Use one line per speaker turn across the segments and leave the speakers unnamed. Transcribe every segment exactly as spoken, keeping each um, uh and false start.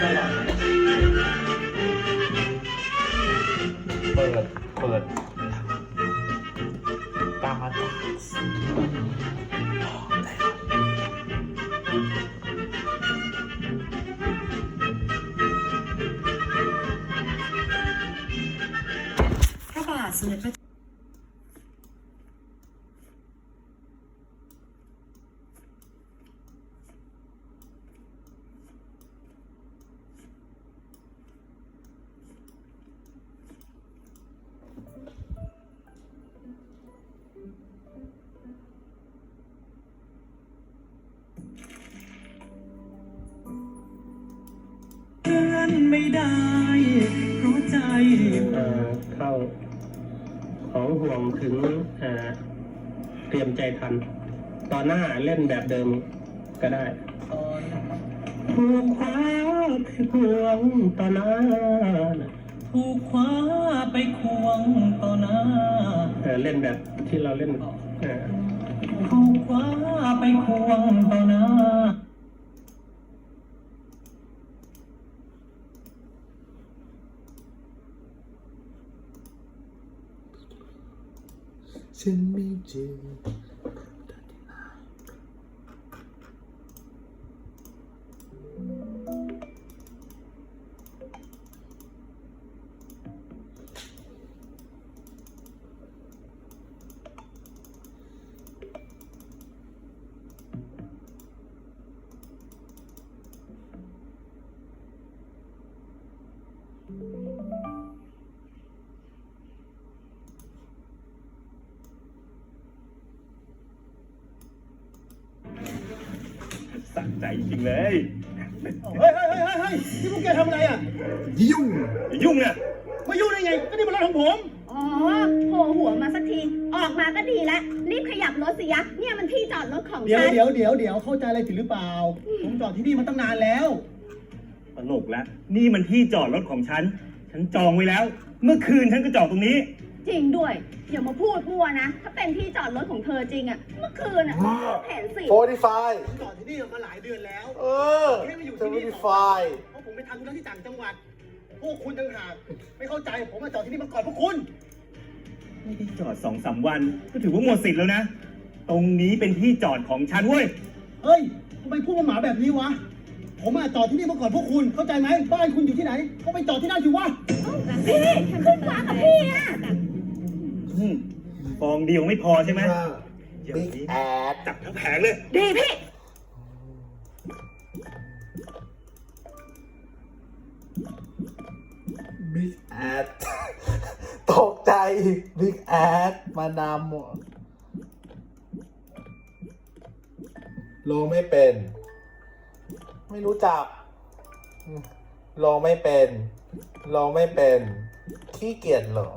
เปิดเปิดตามมาตา
พระบาทสมเด็จพระ
ไม่ได้เพราะใจ
เข้าของห่วงถึงเตรียมใจทันตอนหน้าเล่นแบบเดิมก็ได้ห่วงคว้าไปห่วงต่อหน้า
ถูกคว้าไปควงต่อหน้า
เล่นแบบที่เราเล่น
ถูกคว้าไปควงต่อหน้า
ฉันไม่เจอ
สั่งใจจริงเลย
เฮ้ยเฮ้ยเฮ้ยเฮ้ยนี่พวกแกทำอะไรอ่ะ
ยุ่ง
ยุ่งเนี่ย
มายุ่งได้ไง ก็นี่มันรถของผม
อ๋อโผล่หัวมาสักที ออกมาก็ดีแล้ว รีบขยับรถสิยะ เนี่ยมันที่จอดรถของ
เดี๋ยว
ฉัน
เดี๋ยวเดี๋ยวเดี๋ยวเข้าใจอะไรผิดหรือเปล่า ผมจอดที่นี่มาตั้งนานแล้ว
ตลกแล้วนี่มันที่จอดรถของฉัน ฉันจองไว้แล้ว เมื่อคืนฉันก็จอดตรงนี้
จริงด้วย อย่ามาพูดมั่วนะ ถ้าเป็นที่จอดรถของเธอจริงอะเมื่อคืนอะเห็นสิ
โฟร์ตี้ไฟ
ผมจอดที่นี่มาหลายเดือนแล้ว
เออ
ให้มาอยู่
เซ
ที่
เวน
นี่
ตี้
ต่
ไฟ
อเพราะผมไปทำธุระที่ต่างจังหวัด พวกคุณต่างหากไม่เข้าใจ ผมมาจอดที่นี่มาก่อนพวกคุณ
ไม่ได้จอดสองสามวัน ก็ถือว่าหมดสิทธิ์แล้วนะ ตรงนี้เป็นที่จอดของฉันเว้ย
เฮ้ยทำไมพูดมาหมาแบบนี้วะ ผมมาจอดที่นี่มาก่อนพวกคุณ เข้าใจไหมบ้านคุณอยู่ที่ไหน ก็ไปจอดที่นั่นสิวะ
พี่ขึ้นฟ้ากับพี่อะ
อืมฟองเดียวไม่พอใช่ไหม
บิ๊กแอด
จับทั้งแผงเลย
ดีพี่
บิ๊กแอด ตกใจ บิ๊กแอด มาดามหมดลงไม่เป็น ไม่รู้จักลงไม่เป็นลงไม่เป็น ขี้เกียจเหรอ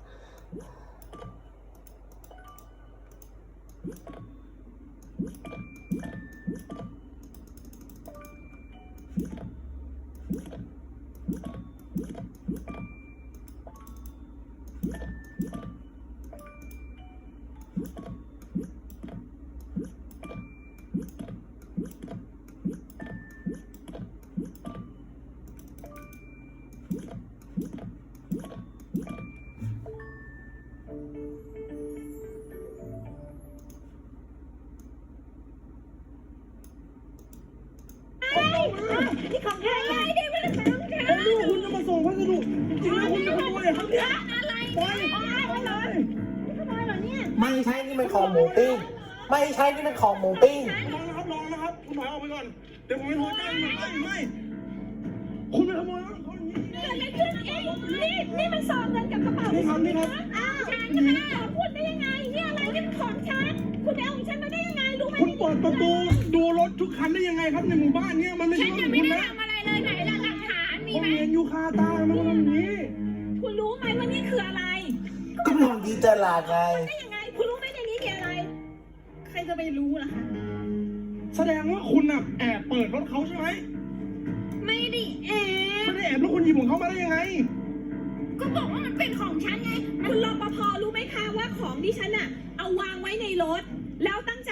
นี่ของแท้ไงนี่ไม่ได้ของแท้
ผมรู้ว่าคุณจะมาส่งพัสดุจริงๆแล้วคุณจะขโมยเหรอครับเนี่ย
อะไร
ไป
ไปเลยนี่ขโมยเหรอเนี่ย
ไม่ใช่นี่มันของหมูปิ้ง ไม่ใช่นี่มันของหมูปิ้ง
ลองนะครับลองนะครับ คุณถอยออกไปก่อน เดี๋ยวผมไปโทรแจ้งไม่ไม่ คุณไปขโมยรถเขาอย่างนี้
เกิดอะไรขึ้นเองนี่นี่มันซองเงินกับกระเป๋า
นี่ครับนี่ครับ
อ้าวฉันจะไม่ได้ขอพูดได้ยังไงนี่อะไรนี่เป็นของฉัน คุณไปเอาของฉันมาได้ยังไงรู้ไหม
คุณเปิดประตูดูรถทุกคันได้ยังไงครับในหมู่บ้านเนี่ยมันไม่ใช่
ฉัน
รถ
จะ
ของ
ไม่
คุณ
ได้
นะ
ทำอะไรเลยไหนล่ะหลักฐานมี
ผม
ไหม
เห็นอยู่คาตามันเป็นอย่างนี้
คุณรู้ไหมว่านี่คืออะไร
ก็เป็นของดีจลาดไง
ได้ยังไง คุณรู้ไหมในนี้มีอะไร ใครจะไปรู้ล่ะคะ
แสดงว่าคุณน่ะแอบเปิดรถเขาใช่ไหม
ไม่ได้แอบ
ไม่ได้แอบแล้วคุณหยิบของเขามาได้ยังไง
ก็บอกว่ามันเป็นของฉันไง คุณรปภรู้ไหมคะว่าของที่ฉันอะเอาวางไว้ในรถ แล้วตั้งใจว่า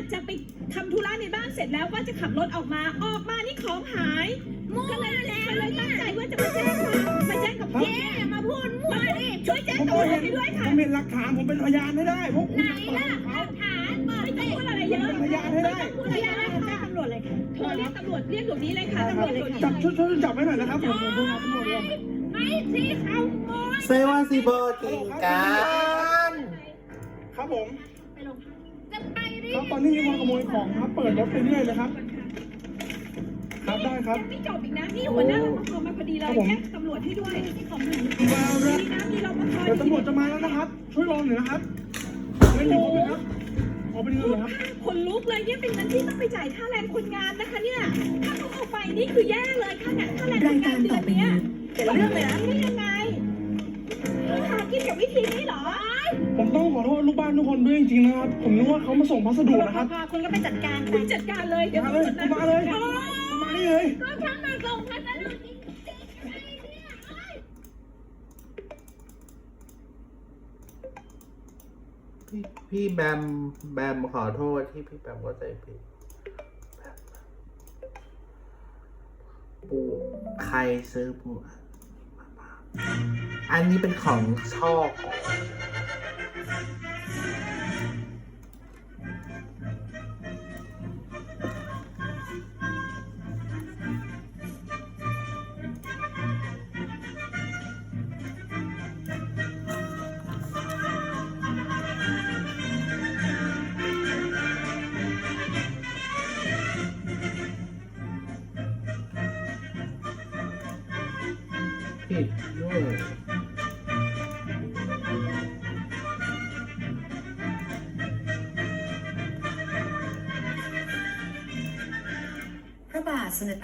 จะไปทำธุระในบ้านเสร็จแล้วก็จะขับรถออกมาออกมานี่ของหายก็เลยก็เลยตั้งใจว่าจะมาแจ้งความมาแจ้งกับพี่อย่ามาพูดมั่วดิช่วยแจ้งตำรวจให้ด้วยค่ะ
ผมเห็นหลักฐานผมเป็นพยานให้ได้พวกคุณ
ไหนล่ะหลักฐานเปิดไม่ต้องพูดอะไรเยอะ
พยานให้ได้
พูดอะไรเยอะค่ะตำรวจเลยค่ะโทรเรียกตำรวจเรียกเดี๋ยวนี้เลยค่ะตำรวจเลยค่ะ
จับช่วยช่วยจับไว้หน่อยนะครับผมผมโทรหาตำรวจเลย
ไม่สิเขาโมย
เซว่าสิบอกินกัน
ครับผม
ไปลงจะไปดิ
ครับตอนนี้มีคนขโมยของครับ เปิดรถไปเรื่อยเลยครับ ครับได้ครับ
ยังไม่จบอีกนะนี่หัวหน้ารปภมาพอดีเลยแจ้งตำรวจให้ด้วยของหนูดีนะมีรปภ
เดี๋ยวตำรวจจะมาแล้วนะครับ ช่วยรอหน่อยนะครับเงินอยู่ครบไหมครับขอเป็นเงินเหรอครับ
คนลุกเลยเนี่ยเป็นเงินที่ต้องไปจ่ายค่าแรงคนงานนะคะเนี่ยถ้าเขาเอาไปนี่คือแย่เลยค่าแรงค่าแรงคนงานเดือนเนี้ยเป็นเรื่องเลยนะนี่ยังไงหากินกับวิธีนี้เหรอ
ผมต้องขอโทษลูกบ้านทุกคนด้วยจริงๆนะครับ ผมนึกว่าเขามาส่งพัสดุนะครับ
คุณก็ไปจัดการคุณจัดการเลยเดี๋ยว
มาเลยมาเลยมานี่เลย
ก็ฉันมาส่งพัสดุจริง
พี่พี่แบมแบมขอโทษที่พี่แบมก็ใจผิดปูใครซื้อปูอันนี้เป็นของชอบผิดด้วย
พระบาทสมเด็จพระ